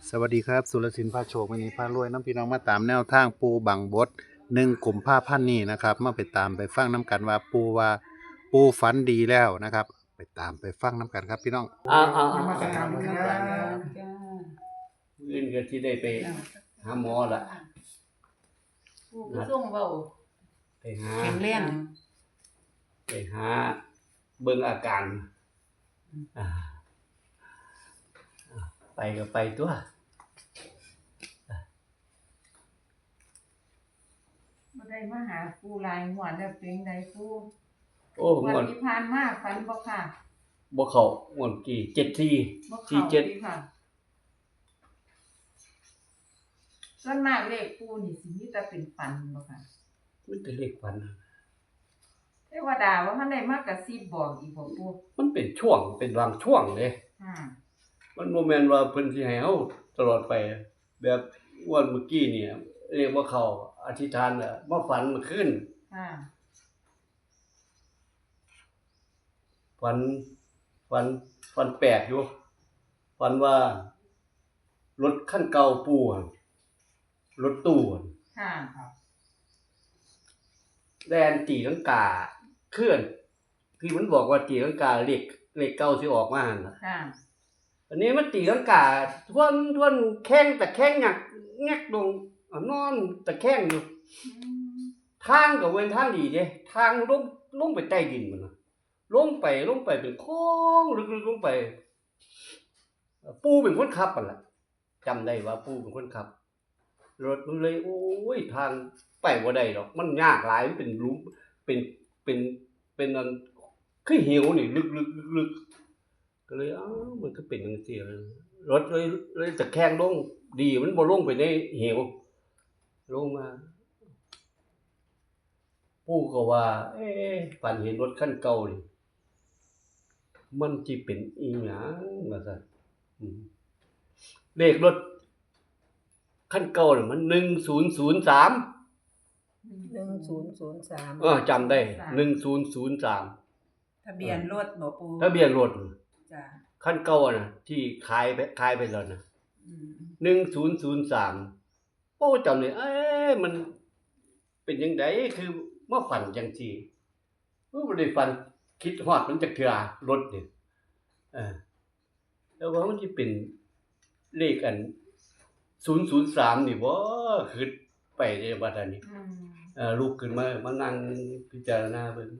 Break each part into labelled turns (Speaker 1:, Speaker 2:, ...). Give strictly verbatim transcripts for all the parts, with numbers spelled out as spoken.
Speaker 1: สวัสดีครับสุรศิลป์พาโชควันนี้พารวยน้ำพี่น้องมาตามแนวทางปูบังบดหนึ่งกลุ่มผ้าพันนี้นะครับมาไปตามไปฟังน้ำกันว่าปูว่าปูฝันดีแล้วนะครับ ไปตามไปฟังน้ำกันครับพี่น้อง
Speaker 2: อ่าอ่า
Speaker 3: นมัสการครับ
Speaker 2: เงินก็ที่ได้ไปหาหมอละ
Speaker 4: ผู้ผู้ส่งเบา
Speaker 2: ไปหา
Speaker 4: แข็งแรง
Speaker 2: ไปหาเบิ่งอาการอ่าไปก็ไปตัว
Speaker 4: บ่ได้มาหาผู้หลายหวดแล้วเป็นใดผู้
Speaker 2: โอ้ง
Speaker 4: วั
Speaker 2: วน
Speaker 4: นที่ผ่านมาฝันบ่ค่ะ
Speaker 2: บ่เข้างวนกี่เจ็ดสี่
Speaker 4: บ่
Speaker 2: สี่
Speaker 4: เข้า
Speaker 2: เจ็ด
Speaker 4: ดีค่ะส่วนมากเลขผู้นี่สิมีแต่เป็นฝันบ่ค่ะ
Speaker 2: มันเป็นเลขฝัน
Speaker 4: เทวดาว่าท่านได้มากระซิบบอกอีกบ่ผู้
Speaker 2: มันเป็นช่วงเป็นบางช่วงเลย
Speaker 4: ค่ะ
Speaker 2: มันบ่แม่นว่าเพิ่นสิให้เฮาตลอดไป แบบวันเมื่อกี้เนี่ยเรียกว่าเขาอธิษฐานน่ะมาฝันเมื่อคืน
Speaker 4: ค่ะ
Speaker 2: ฝันฝันฝันแปลกอยู่ฝันว่ารถคันเก่าปู่อะรถตู้อะ
Speaker 4: ค่ะ
Speaker 2: แล่นตีลังกาเคลื่อนคือมันบอกว่าตีลังกาเลขเลขเก่าสิออกมาหั่นน่ะ
Speaker 4: ค่ะ
Speaker 2: อันนี้มันตีลังกาทวนทวนแข้งแต่แข้งหยักแงกลงอ่ะนอนแต่แข้งอยู่
Speaker 4: อืม
Speaker 2: ทางก็เว้นทางดีเด้ทางลงลงไปใต้ดินมันน่ะลงไปลงไปเป็นโค้งลึกๆลงไปปู่เป็นคนขับนั่นล่ะจำได้ว่าปู่เป็นคนขับรถมันเลยโอ้ยทางไปบ่ได้ดอกมันยากหลายมันเป็นหลุมเป็นเป็นเป็นอันคือเหวนี่ลึกๆๆๆก็เลยอ้าวมันก็เป็นจังซี่เลยรถเลยเลยตะแคงลงดีมันบ่ลงไปในเหวลงมาปู่ก็ว่า เอ๊ะฝันเห็นรถคันเก่านี่มันสิเป็นอีหยังว่าซั่นอืมเลขรถคันเก่านี่มันหนึ่งศูนย์ศูนย์สาม
Speaker 3: หนึ่งศูนย์ศูนย์สาม
Speaker 2: เออจำได้หนึ่งศูนย์ศูนย์สาม
Speaker 3: ทะเบียนรถบ่ปู
Speaker 2: ทะเบียนรถ
Speaker 3: จ้ะ
Speaker 2: คันเก่าน่ะที่ขายไปขายไปแล้วน่ะ
Speaker 3: อืม
Speaker 2: หนึ่งศูนย์ศูนย์สามโอ้จำได้เอ๊ะมันเป็นจังไดคือมาฝันจังซี่เออบ่ได้ฝันคิดฮอดมันจักเทื่อรถนี่เออแล้วว่ามันสิเป็นเลขอันศูนย์ศูนย์สามนี่บ่คิดไปได้บัดอันนี้
Speaker 4: อืม
Speaker 2: เอ่อลุกขึ้นมามานั่งพิจารณาเบิ่ง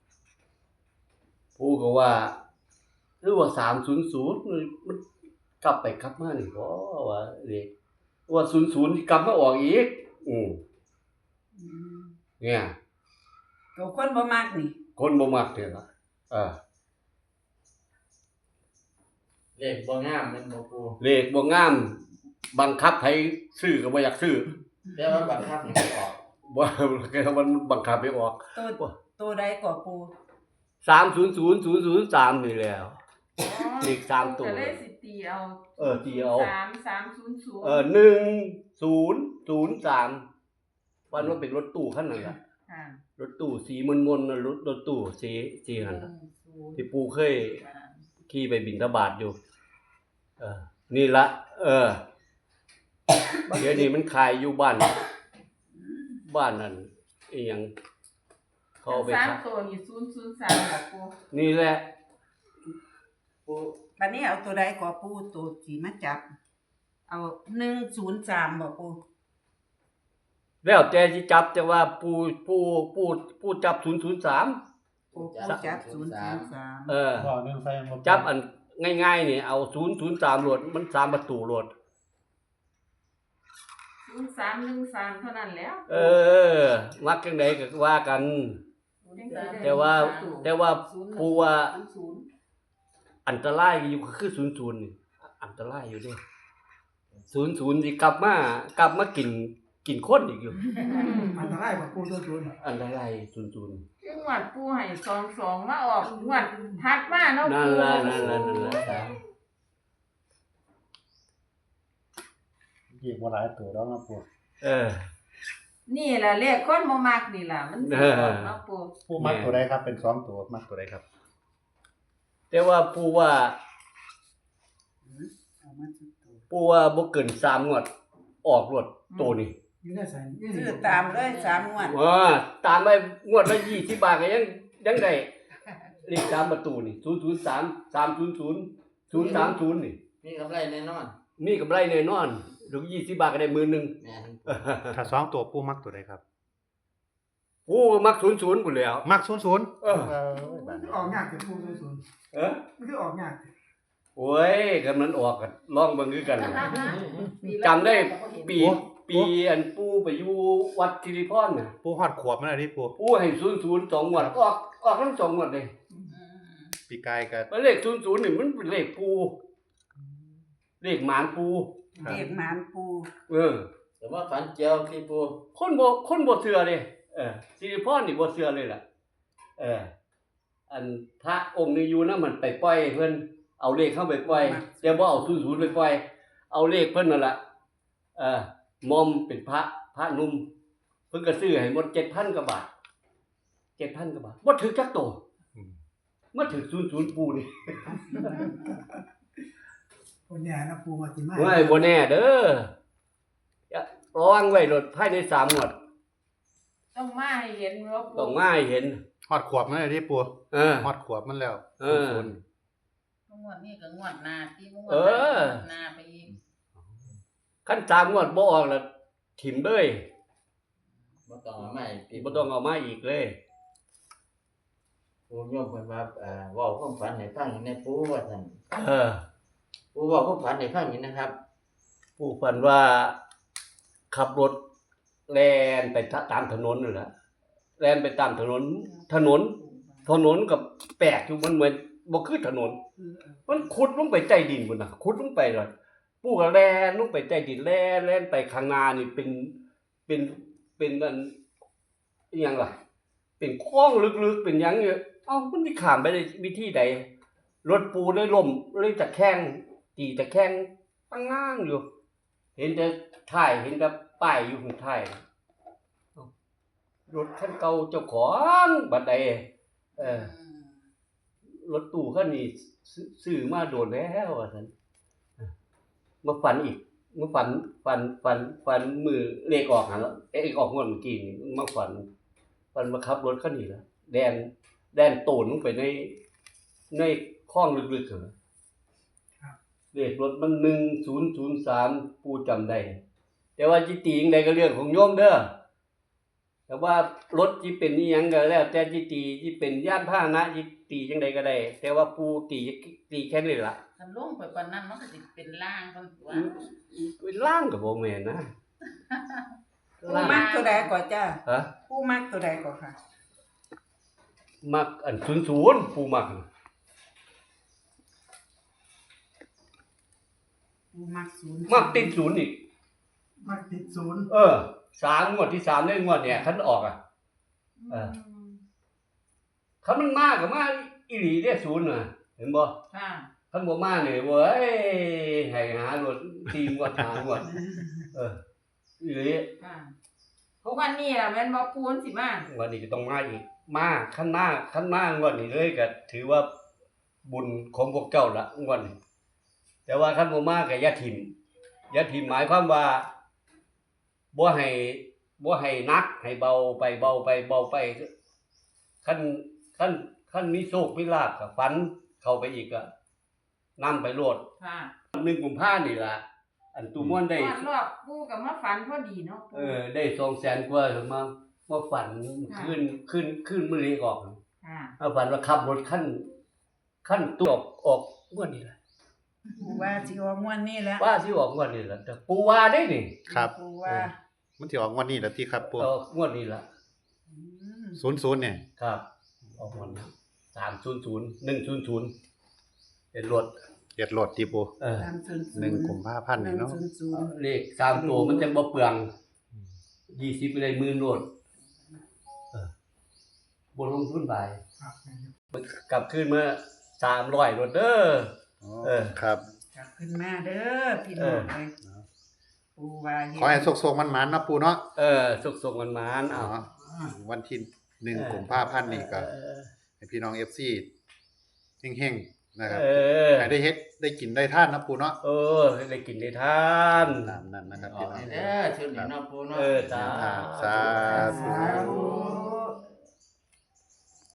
Speaker 2: ปู่ก็ว่าหรือว่าสามศูนย์ศูนย์มันกลับไปกลับมานี่บ่ว่าเลขว่าศูนย์ศูนย์นี่กลับมาออกอีกอืม
Speaker 3: อืม
Speaker 2: เนี่ย
Speaker 3: ตัวคนบ่มักนี่
Speaker 2: คนบ่มักเด้ล่ะเออ
Speaker 5: เลขบ่งามแม่นบ่ปู
Speaker 2: เลขบ่งามบังคับให้ซื้อก็บ่อยากซื้อ
Speaker 5: แต่ว่าบังคับให้มันออก
Speaker 2: บ่แค่มันบังคับให้ออก
Speaker 3: ตัวตัวใดก็ปู
Speaker 2: สามศูนย์ศูนย์ศูนย์ศูนย์สามนี่แหล้ว
Speaker 4: อ๋อ
Speaker 2: เลขสามตัว
Speaker 4: ก็เลยสิตีเอา
Speaker 2: เออตีเอา
Speaker 4: สามสามศูนย์ศูนย์
Speaker 2: เออหนึ่งศูนย์ศูนย์สามวันว่าเป็นรถตู้คันนั้นล่ะ
Speaker 4: ค่ะ
Speaker 2: รถตู้สีมนๆน่ะรถรถตู้สีสีนั่นล่ะ
Speaker 4: หนึ่งศูนย์
Speaker 2: ที่ปู่เคย
Speaker 4: สาม
Speaker 2: ขี่ไปบิณฑบาตอยู่ เออ นี่ละเออ เดี๋ยวนี้มันขายอยู่บ้าน บ้านนั่นอีหยังเขาเอาไป
Speaker 4: สาม
Speaker 2: ขาย
Speaker 4: ตัวนี่ศูนย์ศูนย์สามค่ะปู
Speaker 2: นี่แหละ
Speaker 5: ปู
Speaker 3: บัดนี้เอาตัวใดก็ปูตัวที่มาจับ เอาหนึ่งศูนย์สามบ่ปู
Speaker 2: แล้วแต่สิจับแต่ว่าปู่ปู่ปู่ปู่จับศูนย์ศูนย์สาม
Speaker 3: ปูปูจับศูนย์ศูนย์สาม
Speaker 2: เออ
Speaker 1: บอกหนึ่งใส่หมด
Speaker 2: จับอันง่ายๆนี่เอาศูนย์ศูนย์สามโหลดมันสามประตูโหลด
Speaker 4: ศูนย์สามหนึ่งสามเท่านั้นแล้ว
Speaker 2: เออ มักจังไดก็ว่ากัน แต่ว่าแต่ว่าผู้ว่า
Speaker 4: ศูนย์
Speaker 2: อันตรายอยู่คือศูนย์ศูนย์นี่อันตรายอยู่เด้ศูนย์ศูนย์สิกลับมากลับมากินกินคนอีกอยู่
Speaker 6: อันตรายกว่าปูตัวจุน
Speaker 2: อันตรายศูนย์ศูนย์
Speaker 4: คืองวดปูให้สองสองมาออกงวดทัดมาเนาะ
Speaker 2: นั่น
Speaker 4: ปู
Speaker 2: ล่ะนั่นล่ะนั่นล่ะ
Speaker 1: อีกว่าหลายตัวแล้วนะปู
Speaker 2: เออ
Speaker 4: นี่ล่ะเลขคนบ่มักนี่ล่ะมันสิออกเนาะปู
Speaker 1: ปูมัดตัวใดครับเป็นสองตัวมัดตัวใดครับ
Speaker 2: แต่ว่าผู้ว่า
Speaker 3: เอามาสุดตัว
Speaker 2: ปปูว่าบ่เกินสามงวดออกรวดตัวนี้
Speaker 6: อยู่ในสายนี่
Speaker 3: ซื้อตามเลยสามงวด
Speaker 2: ว่าตามไปงวดละยี่สิบบาทก็ยังยังได้เลขสามประตูนี่ศูนย์ศูนย์สาม สามศูนย์ศูนย์ ศูนย์สามศูนย์นี่
Speaker 5: มีกำไรแน่นอน
Speaker 2: มีกำไรแน่นอนถึงยี่สิบบาทก็ได้หมื่นหนึง
Speaker 5: แม่น
Speaker 1: ถ้าสองตัวปูมักตัวใดครับ
Speaker 2: โอ้มักศูนย์ศูนย์พุ่นแล้ว
Speaker 1: มักศูนย์ศูนย์
Speaker 2: เออ
Speaker 6: มันคือออกยากแต่ปูตัวศูนย์
Speaker 2: เออ
Speaker 6: มันคือออกยาก
Speaker 2: โอ้ยกำนันออกกันลองเบิ่งคือกัน จำได้ปีปีอันปูไปอยู่วัดสิริพรน่ะ
Speaker 1: ปูฮอดขวบมันอะไรปู
Speaker 2: ปูให้ศูนย์ศูนย์สองงวดออกออกทั้งสองงวดเลย
Speaker 1: ปีกายกับ
Speaker 2: แล้วเลขศูนย์ศูนย์นี่มันเป็นเลขปู เลขหมานปู
Speaker 1: ครับ
Speaker 3: เด็กหมานปู
Speaker 2: เออ
Speaker 5: แต่ว่าฝันเจียวที่ปู
Speaker 2: คนบ่คนบ่เชื่อเลยเออสิริพรนี่บ่เชื่อเลยล่ะ เออ อันพระองค์นี้อยู่นะมันไปปล่อยเพิ่นเอาเลขเข้าไปปล่อยแต่บ่เอาศูนย์ศูนย์ไปปล่อย เอาเลขเพิ่นนั่นล่ะเออมอมเป็นพระพระหนุ่มเพิ่นก็ซื้อให้หมดเจ็ดพันกว่าบาทเจ็ดพันกว่าบาทบ่ถึกจักโต
Speaker 1: อืม
Speaker 2: มาถึกศูนย์ศูนย์ปูนี่
Speaker 6: คนเนี่ยนะปูมาติมา
Speaker 2: เฮ้ยบ่แน่เด้ออย่าระวังไว้รถภายในสามงวด
Speaker 4: ต้องมาให้เห็นว่าปู
Speaker 2: ต้องมาให้เห็น
Speaker 1: ฮอดขวบมันอะไรที่ปู
Speaker 2: เออ
Speaker 1: ฮอดขวบมันแล้ว
Speaker 2: เออ
Speaker 1: ศูนย์
Speaker 4: งวดนี้ก็งวดหน้าที่งวด
Speaker 2: เออ
Speaker 4: หน้าไปอีก
Speaker 2: คันสามงวดบ่ออกแล้วถิ่มเลย
Speaker 5: บ่ต้องเอาใหม่ปี
Speaker 2: บ่ต้องเอามาอีกเลย
Speaker 5: ปูโยมเพิ่นว่าเอ่อเว้าความฝันให้ฟังในปูว่าซั่น
Speaker 2: เออ
Speaker 5: ปูเว้าความฝันให้ฟังนี่นะครับ
Speaker 2: ผู้ฝันว่าขับรถแล่นไปตามถนนนั่นแหละแล่นไปตามถนน ถนน ถนนกับแปลกอยู่มันเหมือนบ่คือถนน มันขุดลงไปใต้ดินพุ่นน่ะขุดลงไปเลยปู่ก็แล่นลงไปใต้ดินแล่นแล่นไปข้างหน้านี่เป็นเป็นเป็นอันอิหยังล่ะ เป็นคลองลึกๆเป็นหยังเนี่ยเอ้ามันสิข้ามไปได้วิธีใดรถปูเลยล่มเลยตะแคงตีตะแคงตั้งง้างอยู่ เห็นแต่ท้ายเห็นแต่ป้ายอยู่ข้างท้ายเอ้ารถคันเก่าเจ้าของบัดใดเออ รถตู้คันนี้ซื้อซื้อมาโดนแล้วว่าซั่นมาฝันอีกมาฝันฝันฝันฝันมือเลขออกหั่นแล้วเอ๊ะออกงวดเมื่อกี้นี่มาฝันฝันมาขับรถคันนี้ล่ะแดนแดนโตนลงไปในในคลองลึกๆเหรอเลขรถมันหนึ่งศูนย์ศูนย์สามปูจำได้แต่ว่าจิตีจังใดก็เรื่องของโยมเด้อแต่ว่ารถที่เป็นนี่ยังก็แล้ว แต่จิตีที่เป็นยานพาหนะจิตีจังใดก็ได้ แต่ว่าปูตีตีแค่นี้ล่ะ
Speaker 4: คันลงไปปานนั้นมันก็สิเป็นล่างคนตัว
Speaker 2: เป็นล่างกับบ่แม่นนะ
Speaker 3: ปูมักตัวใดก่อนจ้า
Speaker 2: ฮะ
Speaker 3: ปูมักตัวใดก่อนค่ะ
Speaker 2: มักอันศูนย์ศูนย์ปูมัก
Speaker 3: ปูมักศูนย์
Speaker 2: มักติดศูนย์อีก
Speaker 6: มักติดศูนย์
Speaker 2: เออสามงวดที่สามได้งวดเนี่ยคันออกอ่ะ เออ คันมันมาก็มาอีหลีเด้ศูนย์น่ะเห็นบ่
Speaker 4: ค่ะ
Speaker 2: คันบ่มาเนี่ยเว้ยให้หารถตีงวดหางวดเอออีหลี
Speaker 4: ค่ะเพราะวันนี้ล่ะแม่นบ่ปูนสิมา
Speaker 2: วันนี้ก็ต้องมาอีก มาขั้นหน้าขั้นหน้างวดนี้เลยก็ถือว่าบุญของพวกเจ้าละงวดนี้แต่ว่าขั้นบ่มาก็อย่าถิ่มอย่าถิ่มหมายความว่าบ่ให้บ่ให้นักให้เบาไปเบาไปเบาไปขั้นขั้นขั้นมีโชคมีลาภก็ฝันเข้าไปอีกก็นำไปโลด
Speaker 4: ค่ะ
Speaker 2: หนึ่งกุมภาพันธ์นี่ล่ะอันตูม่วนได้
Speaker 4: รอบรอบปูก็มาฝันพอดีเนาะปู
Speaker 2: เออได้สองแสนกว่าถึงมามาฝันขึ้นขึ้นขึ้นมื้อนี้ออก
Speaker 4: ค่ะ
Speaker 2: เอาฝันว่าขับรถขั้นขั้นตัวออกออกงวดนี้แหละ
Speaker 3: ปูว่าสิออกงวดนี้แล้ว
Speaker 2: ว่าสิออกงวดนี้แหละแต่ปูว่าได้นี่
Speaker 1: ครับ
Speaker 3: ปูว่า
Speaker 1: มันสิออกงวันนี้แหล้วที่ครับปู
Speaker 2: ออกงวดนี้ละ
Speaker 3: อืม
Speaker 1: ศูนย์ศูนย์เนี่ย
Speaker 2: ครับ ออกงวดนี้สามศูนย์ศูนย์หนึ่งศูนย์ศูนย์เป็นรถ
Speaker 1: เจ็ดโหลดที่ปู
Speaker 2: เออ
Speaker 3: สามศูนย์ศูนย์
Speaker 1: หนึ่งกุมภาพันธ์
Speaker 3: ห
Speaker 1: นี่
Speaker 3: นึ่ง
Speaker 1: เนาะ
Speaker 3: ศูนย์ศูนย์
Speaker 2: เลขสามตัวมันจะบ่เปลืองยี่สิบไปเลยหมื่นรถเออบนลงทุนไป
Speaker 6: ครับ
Speaker 2: กลับขึ้นเมื่อสามร้อยรถเด้อ
Speaker 1: อ๋อ
Speaker 2: เออ
Speaker 1: ครับ
Speaker 3: กลับขึ้นมาเด้อพี่น้องเอ้ยปูว่าเฮ็ด
Speaker 1: ขอให้โชคๆมันๆเนาะปูเนาะ
Speaker 2: เออสุกส่งกันมานเอา
Speaker 1: อ๋อวันที่หนึ่งกุมภาพันธ์นี่ก็
Speaker 2: เออ
Speaker 1: ให้พี่น้อง เอฟ ซี เฮงนะครับ
Speaker 2: เออ
Speaker 1: ให้ได้เฮ็ดได้กินได้ท่านนะปูเนาะ
Speaker 2: เออได้กินได้ทาน
Speaker 1: ตามนั้นนะครับ
Speaker 5: ออ
Speaker 1: พี่
Speaker 5: ก
Speaker 1: น้อง
Speaker 5: ให้เด้อชุดนี้เนาะปูเนาะ
Speaker 2: เออจ้า
Speaker 1: สาธุ
Speaker 6: สาธุ